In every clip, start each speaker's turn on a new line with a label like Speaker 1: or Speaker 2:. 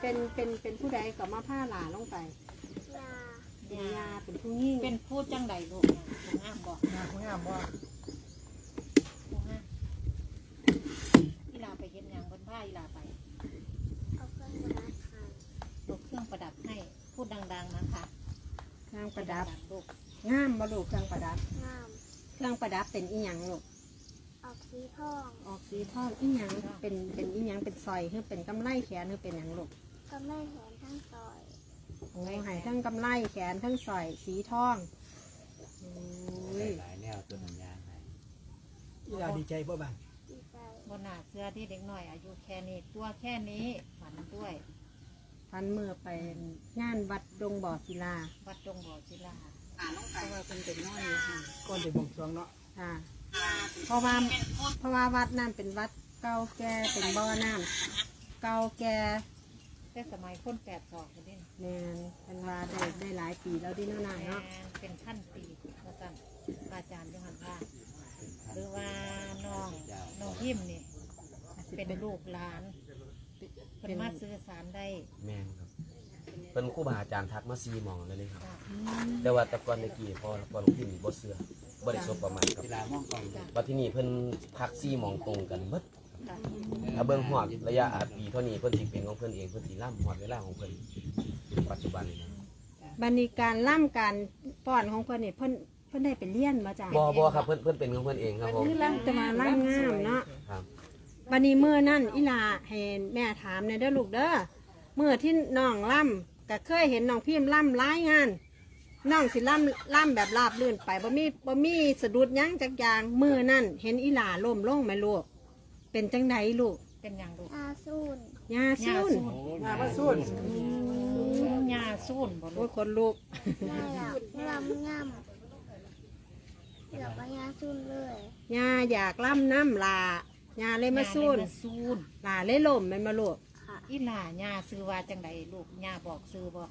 Speaker 1: เป็นผู้ใดก็มาผ้าหลาลงไปเป็นยาเป็นผู้ยิ่ง
Speaker 2: เป็นผู้จังใดลูกนะผู้งามบอก
Speaker 3: ผู้งามบ่
Speaker 2: ผู้งามอีลาไปเห็นอย่างบนผ้าอีลาไปเอาเครื่องประดับให้ลูกเครื่องประดับให้พูดดังๆนะคะ
Speaker 1: เครื่องประดับ
Speaker 2: ลูก
Speaker 1: งามบ่ลูกเครื่องประดับ
Speaker 4: งาม
Speaker 1: เครื่องประดับเป็นอีหยังลูก
Speaker 4: ออกสีทอง
Speaker 1: ออกสีทองอีหยังเป็นอีหยังเป็นสร้อยหรือเป็นกำไลแขนหรือเป็นหยังลูก
Speaker 4: ก็ไม่เห็นทั้งซอย
Speaker 1: โอ้หายทั้งกำไลแขนทั้งสร้อยสีทองโอ้ย
Speaker 5: หลายแนวตัวหนังยางให้
Speaker 3: อีหลาดีใจบ่บ้าง
Speaker 4: ดีใจ
Speaker 2: บนหน้าเสื้อที่เด็กหน่อยอายุแค่นี้ตัวแค่นี้ฝันด้วย
Speaker 1: พันมือไปงานวัดดงบ่อศิลา
Speaker 2: วัดดงบ่อศิลา
Speaker 1: เพราะว่าเป็นเด็กน้อยอยู่ค่ะ
Speaker 3: ก่อนจะบ่งสรวงเนาะ
Speaker 1: ค่ะเพราะว่าวัดนั่นเป็นวัดเก่าแก่เป็นบ่อน้ำเก่าแก่
Speaker 2: แต่สมัยคน82คนนี้
Speaker 1: แมนเป็นว่าได้หลายปีแล้วดิโน่นายเนาะ
Speaker 2: เป็นขั้นปีว่าสั่นอาจารย์ยหันว่าหรือว่าน้องพิมนี่เป็นลูกหลานเป็นมาสื่อสารได้
Speaker 6: แม่นครับเป็นครูบาอาจารย์ทักมา4หม่องเลยครับ
Speaker 2: จ้ะ
Speaker 6: แต่ว่าแต่ก่อนเมื่อกี้พอหลวงพี่นี่บ่เชื่อบ่ได้สบประมาณครับ
Speaker 5: เวลามองกล้อง
Speaker 6: ว่าที่นี่เพิ่นพัก4หม่องตรงกันหมด
Speaker 2: จ้ะ
Speaker 6: ถ้าเบิ่งฮอดระยะปีเท่านี้เพิ่นสิเป็นของเพิ่นเองเพิ่นสิล่ำฮอดเวลาของเพิ่นปัจจุบันนี้นะ
Speaker 1: บันนี้การล่ำการป้อนของเพิ่นนี่เพิ่นได้ไปเลี้ยนมาจาก
Speaker 6: บ่ครับเพิ่นเป็นของเพิ่นเองครับผม
Speaker 1: คือล่ำจะมาล่ำงามเนาะ
Speaker 6: ครับ
Speaker 1: บันนี้เมื่อนั่นอีหลาให้แม่ถามในอยเด้อลูกเด้อเมื่อที่น้องล่ำก็เคยเห็นน้องพิมพ์ล่ำหลายงานน้องสิล่ำแบบราบลื่นไปบ่มีสะดุดหยั้งจักอย่างเมื่อนั่นเห็นอีหลาล้มลงไหมลูกเป็นจังไดลูก
Speaker 2: เป็นอย่างลูก
Speaker 4: อาซูน
Speaker 1: ยาซุ่น
Speaker 3: งามมาสู้
Speaker 2: ยาสูนบ่
Speaker 1: โอ้
Speaker 2: ลู
Speaker 1: ย
Speaker 2: ก
Speaker 1: คนลูก
Speaker 4: ง่ายละงามงามเดี๋ยวไปยาซูนเลย
Speaker 1: ยาอยากล่ำน้ำลายาเลยมาซุ่น
Speaker 2: สูน
Speaker 1: ลาเลยล้มแมันมาลูก
Speaker 4: ค่ะ
Speaker 2: อีหล่าย่าซื้อว่าจังใดลูกย่าบอกซื้อบ่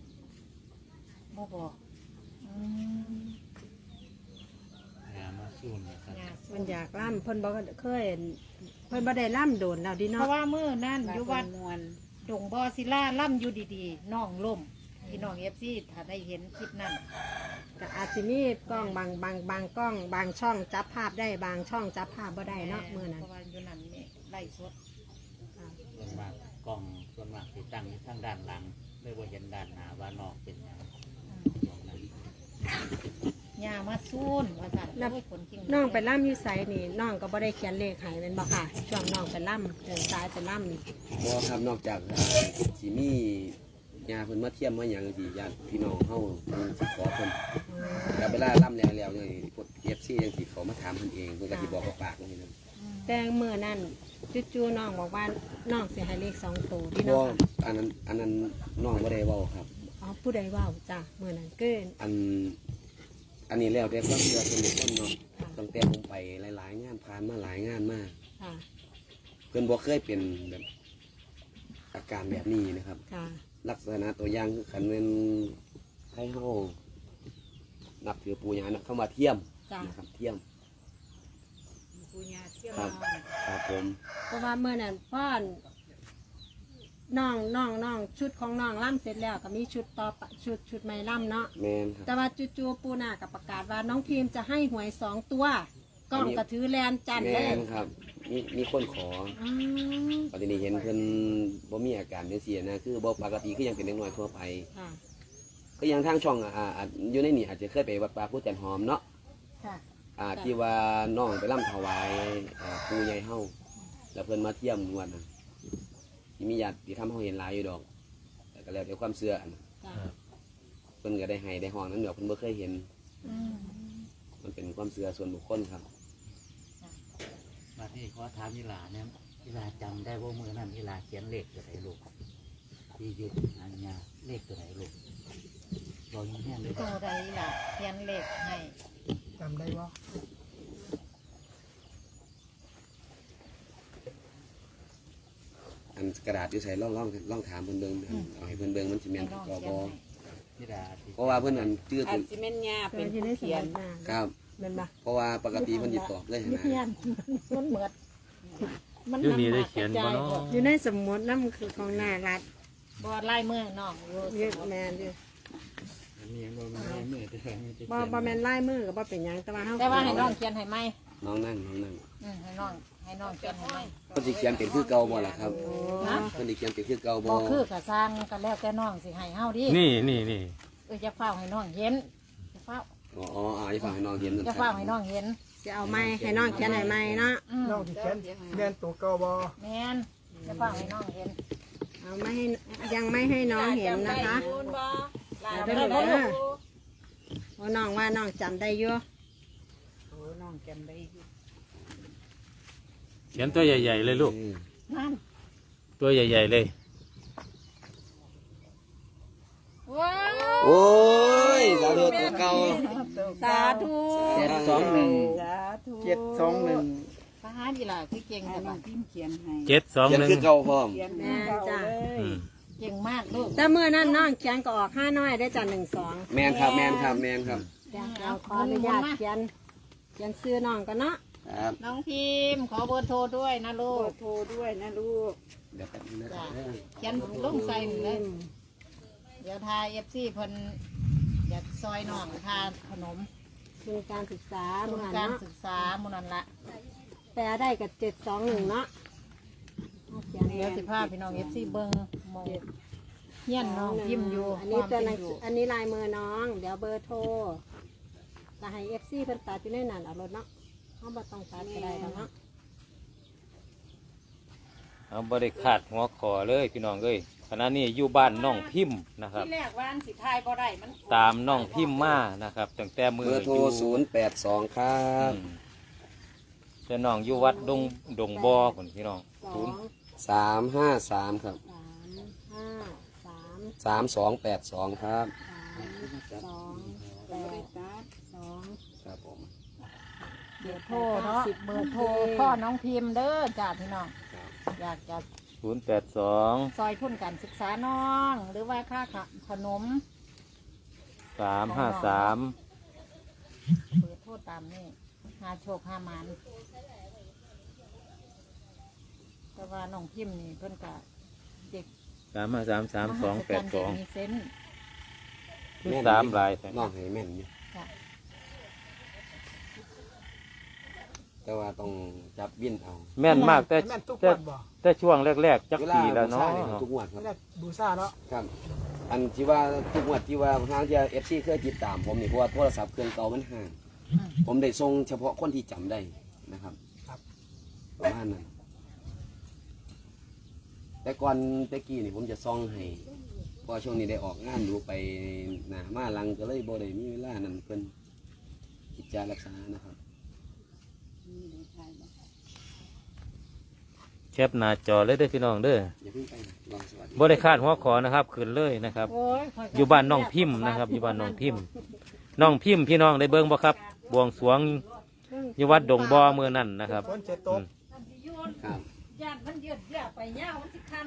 Speaker 2: บอกอืม
Speaker 5: งามมาสู้นะครับ
Speaker 2: ย่าสู
Speaker 1: มัน นอยากล่ำเพิ่นบ่เคยเพิ่นบ่ได้ล่ำโดนแล้วดิ
Speaker 2: เพ
Speaker 1: เนาะ
Speaker 2: ราะว่ามื้อนั่นอยู่วัดดงบ่อศิลาล่ำอยู่ดีๆน้องล่มพี่น้อง FC ถ้าได้เห็นคลิปนั้น
Speaker 1: ก็อาจจะมีกล้องบางกล้องบางช่องจับภาพได้บางช่องจับภาพบ่ได้เนาะมื้อนั้น
Speaker 2: เพราะว่าอยู่นั่นนี่ไล่สด
Speaker 5: ส่วนมากกล้องส่วนมากที่ตั้งอยู่ทางด้านหลังเลยว่าเห็นด้านหน้าว่านอกเป็นอย่างตรงนั้น
Speaker 2: ย่ามาซูนว่าสั่นโอ้ยคนจริง
Speaker 1: น้องไปล่ำอยู่ไสนี่น้องก็บ่ได้เขียนเลขให้แม่นบ่ค่ะช่วงน้องไปล่ำเดินสายไปล่ำนี่
Speaker 6: บ่ครับนอกจากสิมีญาเพิ่นมาเทียมมาหยังสิญาติพี่น้องเฮาเพิ่นสิขอเพิ่นแต่เวลาล่ำแล้วนี่พวก FC จังสิเขามาถามเพิ่นเองเพิ่นก็สิบอกกับปากนี่นะ
Speaker 1: แต่มื้อนั้นจู่ๆน้องบอกว่าน้องสิให้เลข2ตัวดิ
Speaker 6: บ่
Speaker 1: เนาะค่ะ
Speaker 6: อันนั้นน้องบ่ได้เว้าครับ
Speaker 1: อ๋อผู้ใดเว้าจ้ะมื้อนั้นเกิน
Speaker 6: อันนี้แล้วแต่ความเชื่อส่วนบุคคลเนาะตั้งแต่ผมไปหลายๆงานผ่านมาหลายงานมาก
Speaker 1: ค่ะ
Speaker 6: เพิ่นบ่เคยเป็นแบบอาการแบบนี้นะครับ
Speaker 1: ค่ะ
Speaker 6: ลักษณะตัวอย่างคือคันเป็นให้เฮานับถือปู่ย่านะเข้ามาเทียม
Speaker 1: จ้ะ
Speaker 6: นะครับเทียม
Speaker 2: ปูญาเที่ยว
Speaker 6: ครับครับผม
Speaker 1: เพราะว่าเมื่อนั้นพ่อน้องชุดของน้องล่ำเสร็จแล้วก็มีชุดต่อปะชุดไม่ล่ำเนาะ
Speaker 6: แมนครับ
Speaker 1: แต่ว่าจู่ๆปูนากับประกาศว่าน้องพิมจะให้หวย2 ตัวกล้องกระถือแลนจันทร์
Speaker 6: แม
Speaker 1: เลย
Speaker 6: นครับมีคนขอ
Speaker 1: อ๋อ
Speaker 6: ปฏินี้เห็นเพิ่นบ่มีอาการจังซี่นะคือบ่ปกติคือยังเป็นเด็กน้อยทั่วไป
Speaker 1: ค่ะ
Speaker 6: ก็ยังทางช่องอยู่ในนี่อาจจะเคยไปวัดป่าพุทธจันทร์หอมเนาะ
Speaker 1: ค่ะ
Speaker 6: ที่ว่าน้องไปร่ำถวายปู่ใหญ่เฮาแล้วเพิ่นมาเที่ยมงวดน่ะที่มีญาติที่ทำเฮาเห็นหลายอยู่ดอกแต่ก็แล้วแต่ความเชื่ออัน
Speaker 1: จ้ะ
Speaker 6: เพิ่นก็ได้ให้ได้ห้องนั้นเดี๋ยวเพิ่นบ่เคยเห็น
Speaker 2: อืม
Speaker 6: มันเป็นความเชื่อส่วนบุคคลครับ
Speaker 5: มาที่ขอถามยีหลาเนี่ยยีหลาจำได้ว่ามือนั้นยีหลาเขียนเลขตัวไหนลูกที่หยุดอันยาเลขตัวไหนลูกรอยังแห้งเลย
Speaker 2: ตัวใดล่ะเขียนเลขให้
Speaker 3: จำได้บ่
Speaker 6: อันกระดาษอยู่ใส่ล่องถามเพิ่นเบิ่งเอาให้เพิ่นเบิ่งมันสิแม่น
Speaker 2: ให้น้อง
Speaker 6: ก็
Speaker 2: เขีย
Speaker 6: บ่
Speaker 2: นให้
Speaker 5: ยีหลาที่
Speaker 6: เพราะว่าเพิ่นอันชื่อ
Speaker 7: อา
Speaker 6: เพิ่
Speaker 7: จ
Speaker 6: น
Speaker 7: สิแม่นยา
Speaker 1: เป็
Speaker 7: เป็น น
Speaker 1: ที่
Speaker 7: ผู้
Speaker 1: ได้ส
Speaker 7: เขีย
Speaker 1: มัน นมา
Speaker 6: ครับ
Speaker 1: เป็นปะ
Speaker 6: เพราะว่าปกติเพิ่นสิตอบเลย
Speaker 2: ไม่
Speaker 6: นะ
Speaker 2: เขียนมันเหมือนมัน
Speaker 8: อยู่นี่ได้เขียนบ่เนาะ
Speaker 1: อยู่ในสมุดนั่นคือของนารัด
Speaker 2: บ่ลายมือน้องอยู่
Speaker 1: เยอะแม่นอยู่
Speaker 5: อันนี้บ่มีลายมือแต่ไม่ได้
Speaker 1: บ่แม่นลายมือก็บ่เป็นหยังแต่ว่าเฮา
Speaker 2: แต่ว่าให้น้องเขียนให้ไหม
Speaker 6: น้องนั่ง
Speaker 2: ให้น้องเขียนให้ไหม
Speaker 6: เพิ่นสิเขียนเป็นคือเก่าบ่ล่ะครับ
Speaker 2: นะ
Speaker 6: เพิ่นสิเขียนเป็นคือเก่าบ่
Speaker 2: บ่คือก็สร้างก็แล้วแต่น้องสิให้เฮาดิ
Speaker 7: นี่
Speaker 2: จะเฝ้าให้น้องเห็นจะเฝ้า
Speaker 6: อ๋อให้ฟังให้น้องเห็นนั่น
Speaker 2: จะ
Speaker 6: ค
Speaker 2: เฝ้า
Speaker 6: รับ
Speaker 2: ให้น้องเห็น
Speaker 1: จะเอาไม้ให้น้องเขียนให้ไม้เนาะ
Speaker 3: น้องที่เขียนแม่นตัวเก่าบ่
Speaker 2: แม่นจะเฝ้าให้น้องเห็น
Speaker 1: เอาไม่ให้ยังไม่ให้น้องเห็นนะคะเอาได้
Speaker 2: ได้
Speaker 1: เลย
Speaker 2: ลู
Speaker 1: เด้อโอ้น้องว่าน้องจำได้อยู่
Speaker 7: เขียนตัวใหญ่ๆเลยลูก
Speaker 2: นั่น
Speaker 7: ตัวใหญ่ๆเลย
Speaker 2: ว้าว
Speaker 6: โอ้ยสาธุตัวเก่า
Speaker 2: สาธุ
Speaker 3: 721
Speaker 2: พระหาดีล่ะคือเก่งแต่ว่าพิมพ์เขียนให้
Speaker 6: เขียนคือเก่าพร้อม
Speaker 1: แม่นจ้ะ
Speaker 2: เก่งมากลูก
Speaker 1: แต่เมื่อนั้นน้องเขียนก็ออก5น้อยได้จ้ะ1-2
Speaker 6: แม่นครับ
Speaker 1: เดี๋ยวเราขออนุญาตเขียนซื้อน้องกันเนาะ
Speaker 6: ครับ
Speaker 2: น้องพิมพ์ขอเบอร์โทรด้วยนะลูก
Speaker 6: เดี๋ยวแป๊บนึงนะครับ
Speaker 2: เขียนลงใส่นี่เลย เดี๋ยวทาFC เพิ่นอยากซอยน้องทานขนม
Speaker 1: คือการศึกษา
Speaker 2: ทุ
Speaker 1: เมื่
Speaker 2: น
Speaker 1: อ
Speaker 2: การ
Speaker 1: เนาะ
Speaker 2: ศึกษาหมุนันละ
Speaker 1: แปลได้กับ721เนาะเอาเขียน
Speaker 2: เดี๋ยวสิพาพี่น้อง FC เบิ่งหมองเฮียนน้องพิมพ์อยู่
Speaker 1: อันนี้ตัวหนัง
Speaker 2: ความ
Speaker 1: สื
Speaker 2: เป็
Speaker 1: ออันนี้ลายมือน้อง เดี๋ยวเบอร์โทรจะให้ FC เพิ่นตัดอยู่ในนั้นเอารถเนาะเขาบ่ต้องตัดก็ได้แล้วเนาะ
Speaker 7: เอาบริขาดหัวคอเลยพี่น้องเอ้ยขณะนี้อยู่บ้านน้องพิมพ์นะครับ
Speaker 2: ที่แรกว่าอันสิทายบ่ได้มัน
Speaker 7: ตามน้องพิมพ์มานะครับตั้งแต่มื
Speaker 6: เบ
Speaker 7: อ
Speaker 6: อร์โทร
Speaker 7: อยู่
Speaker 6: 082 ครับ
Speaker 7: แต่น้องอยู่วัดดงบ่อคนพี่น้อง
Speaker 6: 353 ครับ
Speaker 1: 253
Speaker 6: 3282 ครับ
Speaker 1: 3282
Speaker 6: ครับผม
Speaker 2: เบอร์โทรเนาะเบอร์โทรพ่อน้องพิมพ์เด้อจ้าพี่น้องอยากจะ
Speaker 7: 082
Speaker 2: ซอยทุนการศึกษาน้อง หรือว่าค่าขนม
Speaker 7: 353
Speaker 2: เบอร์โทรตามนี่หาโชคหามันแต่ว่าน้องพิมพ์นี่เพิ่นก็เด็ก
Speaker 7: 3533282
Speaker 2: มีเซนส์
Speaker 7: คือ3ลายแต่
Speaker 6: น้องให้แม่นอยู่
Speaker 2: จ้ะ
Speaker 6: แต่ว่าต้องจับวินเอา
Speaker 7: แม่นมากแต่
Speaker 3: แม่นทุก
Speaker 7: แต่
Speaker 3: วันบ่
Speaker 7: แต่ช่วงแรกๆจัก
Speaker 6: เวลา
Speaker 7: ปีแล้ว
Speaker 6: บูชา
Speaker 7: เนาะ
Speaker 6: เนี่ยครับทุกงวดครับ
Speaker 3: แม่นบูชาเนาะ
Speaker 6: ครับ อันที่ว่าทุกงวดที่ว่าทางที่ FC เคยติดตามผมนี่เพราะว่าโทรศัพท์เครื่องเก่ามันห่างผมได้ส่งเฉพาะคนที่จำได้นะครับประมาณนั้นแต่ก่อนแต่กี้นี่ผมจะซ่องให้เพอช่วงนี้ได้ออกงานดูไปหนามาหลังก็เลยบ่ได้มีเวลานั้นเพิ่นกิจจารักษานะครับ
Speaker 7: แคปหน้าจอเลยเด้อพี่น้องเด้อ
Speaker 6: อย่าเพิ่งไปนะลองสวัสดี
Speaker 7: บริขาดหัวขอนะครับขึ้นเลยนะครับ
Speaker 2: โอ้ยข้ก็
Speaker 7: อยู่บ้านน้องพิมพ์นะครับ อยู่บ้านน้องพิมพ์น้องพิมพ์พี่น้องได้เบิ่งบ่ครับบวงสรวงอยู่วัดดงบ่อเมื่อนั้นนะครับ
Speaker 3: ฝนจะตก
Speaker 6: ครับ
Speaker 2: ญาติมันเยืดเยื้อไปยาวมันสิคัน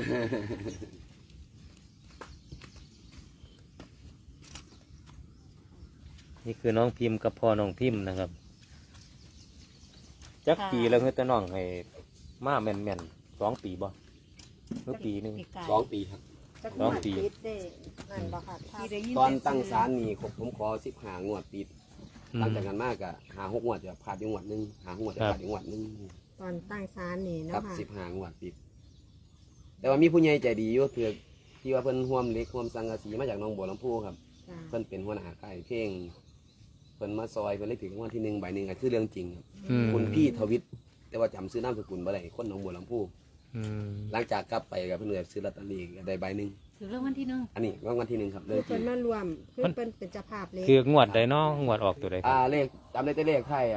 Speaker 7: นี่คือน้องพิมพ์กับพ่อน้องพิมพ์นะครับจักปีแล้วเฮ้ยแต่น้องให้มาแม่นๆ2 ปีบ่หรือปีหนึง
Speaker 6: 2 ปีครับ
Speaker 7: 2 ปี
Speaker 1: ติดเด้นั่นบ่ค่ะถ้า
Speaker 6: ตอนตั้งศาลนี่ผมขอ15งวดติดหลังจากนั้นมากก็5-6งวดจะพลาดอยู่งวดหนึง5-6งวดจะพลาดอยู่งวดหนึง
Speaker 1: ตอนตั้งศาลนี่
Speaker 6: ครั
Speaker 1: เนาะ
Speaker 6: บ
Speaker 1: ค่ะ
Speaker 6: 15งวดติด แต่ว่ามีผู้ใหญ่ใจดีอยู่คือที่ว่าเพิ่นร่วมเหล็กร่วมสังกะสีมาจากหนองบัวลำพูครับ
Speaker 1: จ้ะ
Speaker 6: เพิ่นเป็นหัวหน้าค่ายเพลงเพิ่นมาซอยเพิ่นเลยถึงรางวัลที่1ใบหนึ่งก็คือเรื่องจริงครับ
Speaker 7: อืม
Speaker 6: คุณพี่ทวิตแต่ว่าจำซื้อนามสกุลบ่ได้คนหนองบัวลำพู
Speaker 7: อืม
Speaker 6: หลังจากกลับไปกับเพิ่นเลยซื้อลอตเตอรี่ก็ได้ใบหนึ่ง
Speaker 2: ถือเรื่องวันที่หนึ่ง
Speaker 6: อันนี้รางวัลที่1ครับเรื่
Speaker 1: คือ อง
Speaker 6: จริ
Speaker 1: เพิ่น
Speaker 6: ง
Speaker 1: มารวมคือเพิ่นเป็นเจ้าภาพเล็ก
Speaker 7: คืองวดใดเนาะงวดออกตัวใดครับ
Speaker 6: เลขจำได้แต่เลขไทย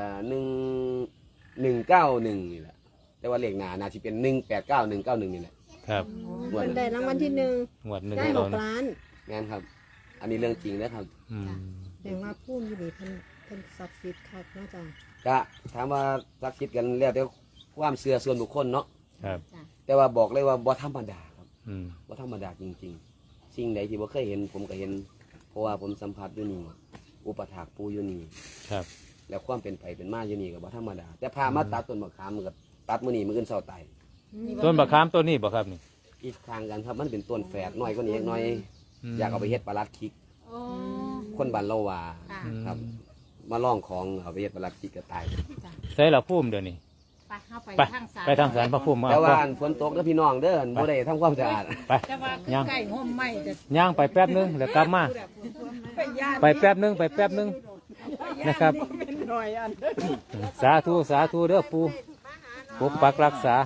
Speaker 6: 191นี่แหละแต่ว่าเลขหน้าน่าสิเป็น189191นี่แหละ
Speaker 7: ครับ
Speaker 6: งวด
Speaker 1: เพิ่น
Speaker 6: นั้น
Speaker 1: ได้รางวัลที่1
Speaker 7: งวดหนึ่ง
Speaker 1: ได้
Speaker 7: เรา
Speaker 1: 6 ล้าน
Speaker 6: แม่นครับ อันนี้เรื่องจริงนะครับ
Speaker 7: อืม
Speaker 1: แสดงว่าผู้อยู่นี่เพิ่นศักดิ์สิทธิ์คักเนาะจ้ะ
Speaker 6: ก็ถามว่าสักคิดกันแล้วแต่ความเชื่อส่วนบุคคลเนาะ
Speaker 7: ครับ
Speaker 6: แต่ว่าบอกเลยว่าบ่ธรรมดาครับ
Speaker 7: อืม
Speaker 6: บ่ธรรมดาจริงๆ สิ่งใดที่บ่เคยเห็นผมก็เห็น เพราะว่าผมสัมผัสอยู่นี่อุปถากปูอยู่นี่
Speaker 7: ครับ
Speaker 6: แล้วความเป็นไปเป็นมาอยู่นี่ก็บ่ธรรมดา แต่พามาตัดต้นมะขามมันก็ตัดมื้อนี้มื้ออื่นเช้าตาย
Speaker 7: ต้นบักขามต้นนี้บ่ครับนี่
Speaker 6: อีกทางกันครับมันเป็นต้นแฝดน้อยกว่านี้น้อย อยากเอาไปเฮ็ดปลาลัดคิก
Speaker 2: โอ้
Speaker 6: คนบ้านเราว่า
Speaker 2: ค่ะ
Speaker 6: ครับ มาล่องของเอาไปเฮ็ดปลาลัดคิกก็ตาย
Speaker 7: ใส่ละพุ่มเดี๋ยวนี้
Speaker 2: ไปเข้าไป
Speaker 7: ไป
Speaker 2: ทางสาร
Speaker 7: ไปทางสารพระพุ่มมา
Speaker 6: แต่ว่า
Speaker 7: เอา
Speaker 6: ฝนตกแล้วพี่น้องเด้อบ่ได้ทำความสะอาด
Speaker 7: ไป
Speaker 2: แต่ว่า
Speaker 7: ย่าง
Speaker 2: ใกล้ห่มไม้จะ
Speaker 7: ย่างไปแป๊บนึงแล้วกลับมาไปแป๊บนึงไปแป๊บนึงนะครับ สาธุสาธุเด้อปูปกปักรักษา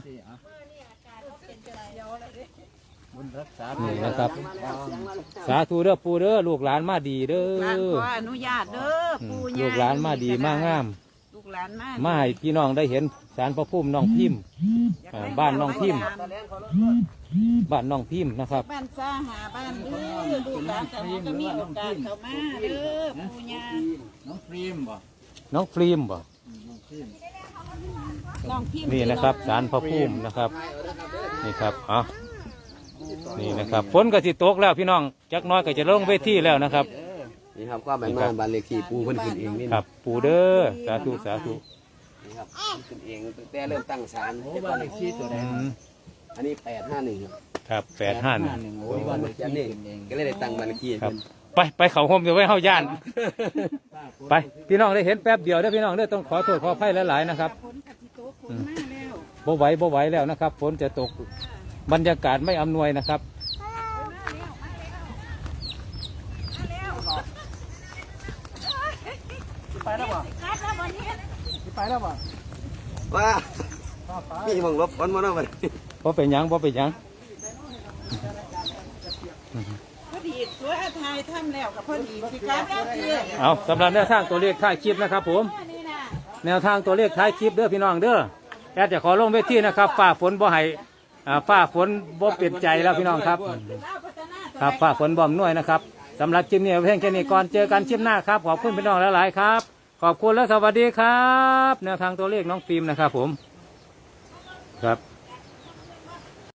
Speaker 3: บุญรักษา
Speaker 7: นี่นะครับ สาธุเด้อปูเด้อลูกหลานมาดีเด้อ
Speaker 8: หลานขออนุญาตเด้อปู่ย่
Speaker 7: ลูกหลานมาดีมางาม
Speaker 8: ลูกหลานมา
Speaker 7: มาให้พี่น้องได้เห็นสารพระพุ่มน้องพิมพ์บ้านน้องพิมพ์บ้านน้องพิมพ์นะครับ
Speaker 8: บ้านซ่าหาบ้านเด้อลูกหลานแต่ว่าก็มีโอกาสเข้ามาเด้อปู่ย่า
Speaker 3: น้องฟิล์มบ่
Speaker 7: น้องฟิล์มบ่
Speaker 3: น้องฟิล์ม
Speaker 8: น้องพิมพ์
Speaker 7: นี่นะครับสารพระพุ่มนะครับนี่ครับอ๋อนี่นะครับฝนก็สิตกแล้วพี่น้องจักหน้อยก็จะลงเวทีแล้วนะครับ
Speaker 6: นี่ครับความหมายมาบ้านเลขที่ปูเพิ่นขึ้นเองนี่
Speaker 7: ครับปูเด้อสาธุสาธุ
Speaker 6: นี่ครับขึ้นเองตั้งแต่เริ่มตั้งศาล
Speaker 3: โอ้บ้านเลขที่ตัวใด
Speaker 7: อืม
Speaker 6: อันนี้851ครับ
Speaker 7: ครับ851
Speaker 3: โอ้บ้านเลขที่
Speaker 6: อันนี้
Speaker 3: ขึ้นเอง
Speaker 6: ก็เลยได้ตั้งบ้านเลขที่ให้
Speaker 7: ครับ
Speaker 6: เพิ่น
Speaker 7: ไปเขาโฮมเดี๋ยวไว้เฮาย่าน ไปพี่น้องได้เห็นแป๊บเดียวเด้อพี่น้องเด้อต้องขอโทษขออภัยหลายๆนะครับ
Speaker 8: ฝนกะสิโตกฝนมาแล้ว
Speaker 7: บ่ไหวแล้วนะครับฝนจะตกบรรยากาศไม่อำนวยนะครับ
Speaker 3: ไปแล้วบ่ไปแล้วบ่
Speaker 6: ว่ามีหมองลบฝนมาเนาะบัดนี้
Speaker 7: บ่เป็นหยังบ่เป็นหยัง
Speaker 8: พอดีตัวไทยทำแล้วกับพอดีสิครับแล้วเด้อ
Speaker 7: เอาสำหรับแนวทางตัวเลขท้ายคลิปนะครับผมแนวทางตัวเลขท้ายคลิปเด้อพี่น้องเด้อแอดจะขอลงเวทีนะครับฟ้าฝนบ่ให้ฟ้าฝนบ่เปลี่ยนใจแล้วพี่น้องครับครับฟ้าฝนบ่อมน่วยนะครับสำหรับคลิปนี้เอาเพียงแค่นี้ก่อนเจอกันคลิปหน้าครับขอบคุณพี่น้องหลายๆครับขอบคุณและสวัสดีครับ แนวทางตัวเลขน้องฟิล์มนะครับผมครับ